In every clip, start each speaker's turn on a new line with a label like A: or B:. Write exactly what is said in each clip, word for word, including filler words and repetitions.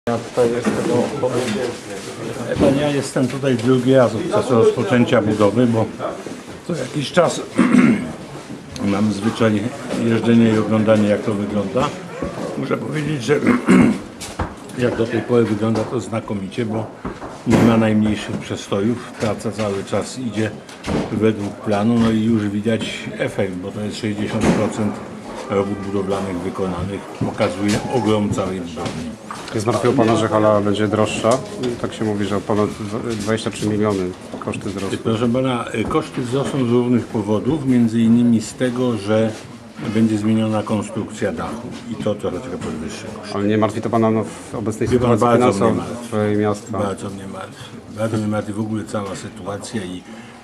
A: Ja tutaj jest tego
B: Pan, ja jestem tutaj drugi raz od czasu rozpoczęcia budowy, bo co jakiś czas mam zwyczaj jeżdżenia i oglądania, jak to wygląda. Muszę powiedzieć, że jak do tej pory wygląda to znakomicie, bo nie ma najmniejszych przestojów. Praca cały czas idzie według planu, no i już widać efekt, bo to jest sześćdziesiąt procent robót budowlanych wykonanych. Pokazuje ogrom całej budowli.
A: Nie zmartwiło Pana, że hala będzie droższa? Tak się mówi, że o ponad dwadzieścia trzy miliony koszty wzrosły.
B: Proszę Pana, koszty wzrosną z różnych powodów, między innymi z tego, że będzie zmieniona konstrukcja dachu i to trochę podwyższy koszty.
A: Ale nie martwi to Pana no, w obecnej
B: Wie pan,
A: sytuacji
B: bardzo mnie
A: finansowej miasta?
B: Bardzo mnie martwi. Bardzo mnie martwi w ogóle cała sytuacja i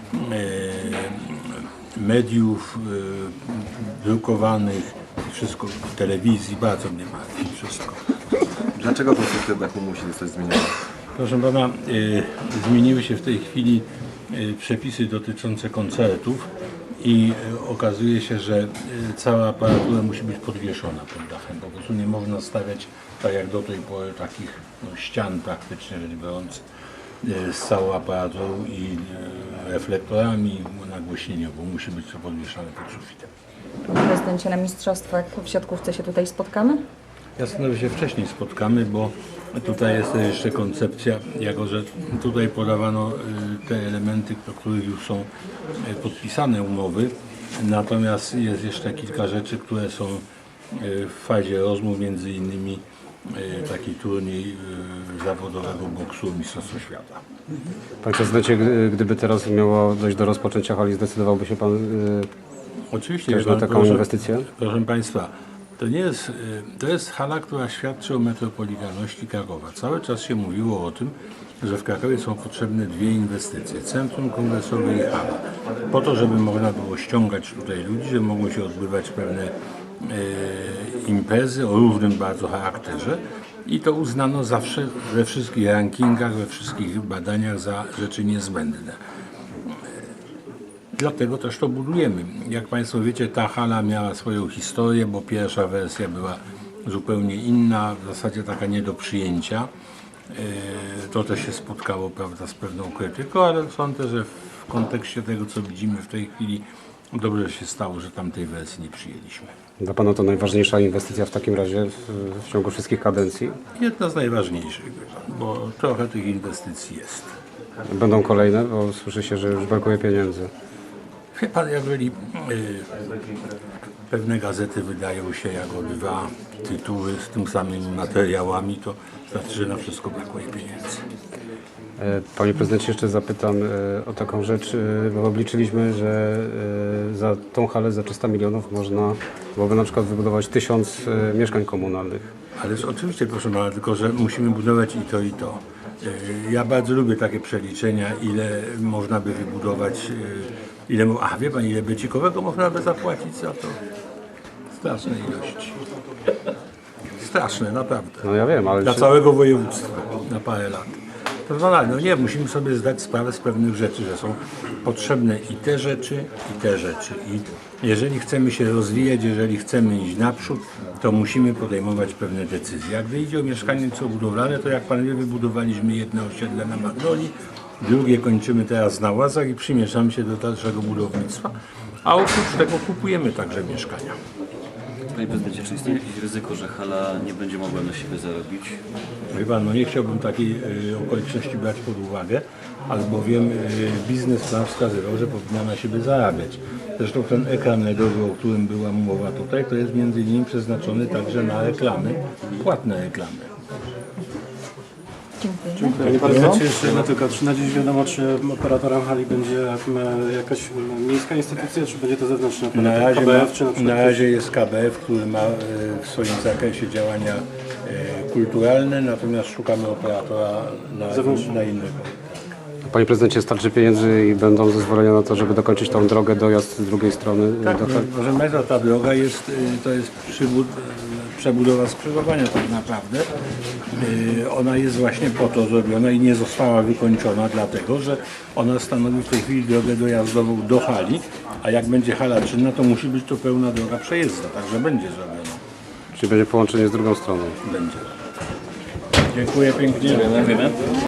B: e, mediów e, drukowanych, wszystko, telewizji, bardzo mnie martwi wszystko.
C: Dlaczego konstrukcja dachu musi zostać zmieniona?
B: Proszę Pana, y, zmieniły się w tej chwili y, przepisy dotyczące koncertów i y, okazuje się, że y, cała aparatura musi być podwieszona pod dachem. Po prostu nie można stawiać, tak jak do tej pory, takich no, ścian praktycznie rzecz biorąc y, z całą aparaturą i y, reflektorami nagłośnieniową. Musi być to podwieszane pod sufitem.
D: Panie prezydencie, na mistrzostwach w siatkówce się tutaj spotkamy?
B: Ja sądzę, że się wcześniej spotkamy, bo tutaj jest jeszcze koncepcja, jako że tutaj podawano te elementy, do których już są podpisane umowy, natomiast jest jeszcze kilka rzeczy, które są w fazie rozmów, między innymi taki turniej zawodowego boksu Mistrzostwa Świata.
A: Panie prezydencie, gdyby teraz miało dojść do rozpoczęcia hali, zdecydowałby się Pan
B: Oczywiście,
A: też na taką
B: proszę,
A: inwestycję?
B: Proszę Państwa, to nie jest, to jest hala, która świadczy o metropolitalności Krakowa. Cały czas się mówiło o tym, że w Krakowie są potrzebne dwie inwestycje. Centrum kongresowe i hala. Po to, żeby można było ściągać tutaj ludzi, że mogły się odbywać pewne e, imprezy o różnym bardzo charakterze. I to uznano zawsze we wszystkich rankingach, we wszystkich badaniach za rzeczy niezbędne. Dlatego też to budujemy. Jak Państwo wiecie, ta hala miała swoją historię, bo pierwsza wersja była zupełnie inna, w zasadzie taka nie do przyjęcia. To też się spotkało, prawda, z pewną krytyką, ale sądzę, że w kontekście tego, co widzimy w tej chwili, dobrze się stało, że tamtej wersji nie przyjęliśmy.
A: Dla Pana to najważniejsza inwestycja w takim razie w, w ciągu wszystkich kadencji?
B: Jedna z najważniejszych, bo trochę tych inwestycji jest.
A: Będą kolejne, bo słyszy się, że już brakuje pieniędzy.
B: Wie Pan, jeżeli y, pewne gazety wydają się jako dwa tytuły z tym samymi materiałami, to znaczy, że na wszystko brakuje pieniędzy.
A: Panie prezydencie, jeszcze zapytam o taką rzecz, bo obliczyliśmy, że za tą halę za trzysta milionów można byłoby na przykład wybudować tysiąc mieszkań komunalnych.
B: Ależ oczywiście, proszę Pana, tylko że musimy budować i to, i to. Ja bardzo lubię takie przeliczenia, ile można by wybudować, ile, a wie Pan, ile becikowego można by zapłacić za to? Straszne ilości. Straszne, naprawdę.
A: No ja wiem, ale...
B: Dla
A: czy...
B: całego województwa, na parę lat. Personalnie, no nie, musimy sobie zdać sprawę z pewnych rzeczy, że są potrzebne i te rzeczy, i te rzeczy. I jeżeli chcemy się rozwijać, jeżeli chcemy iść naprzód, to musimy podejmować pewne decyzje. Jak idzie o mieszkanie budowlane, to jak Pan wie, wybudowaliśmy jedno osiedle na Magnolii, drugie kończymy teraz na Łazach i przymieszamy się do dalszego budownictwa, a oprócz tego kupujemy także mieszkania.
E: Panie prezydencie, czy istnieje jakieś ryzyko, że hala nie będzie mogła na siebie zarobić?
B: Wie Pan, no nie chciałbym takiej y, okoliczności brać pod uwagę, albowiem y, biznesplan wskazywał, że powinna na siebie zarabiać. Zresztą ten ekran L E D owy, o którym była mowa tutaj, to jest między innymi przeznaczony także na reklamy, płatne reklamy.
D: Dziękuję.
F: Panie prezydencie, jeszcze jedno tylko, czy na dziś wiadomo, czy operatorem hali będzie jakaś miejska instytucja, czy będzie to zewnętrzny
B: Na
F: operator,
B: razie,
F: K B F,
B: ma,
F: czy na przykład
B: na razie jest K B F, który ma y, w swoim zakresie działania y, kulturalne, natomiast szukamy operatora na, na innego.
A: Panie prezydencie, starczy pieniędzy i będą zezwolenia na to, żeby dokończyć tą drogę, dojazd z drugiej strony?
B: Tak,
A: do...
B: no, proszę Państwa, ta droga jest, y, to jest przybud, przebudowa skrzyżowania tak naprawdę. Y, ona jest właśnie po to zrobiona i nie została wykończona, dlatego że ona stanowi w tej chwili drogę dojazdową do hali, a jak będzie hala czynna, to musi być to pełna droga przejezdna, także będzie zrobiona.
A: Czyli będzie połączenie z drugą stroną?
B: Będzie. Dziękuję pięknie.
E: Dziękujemy.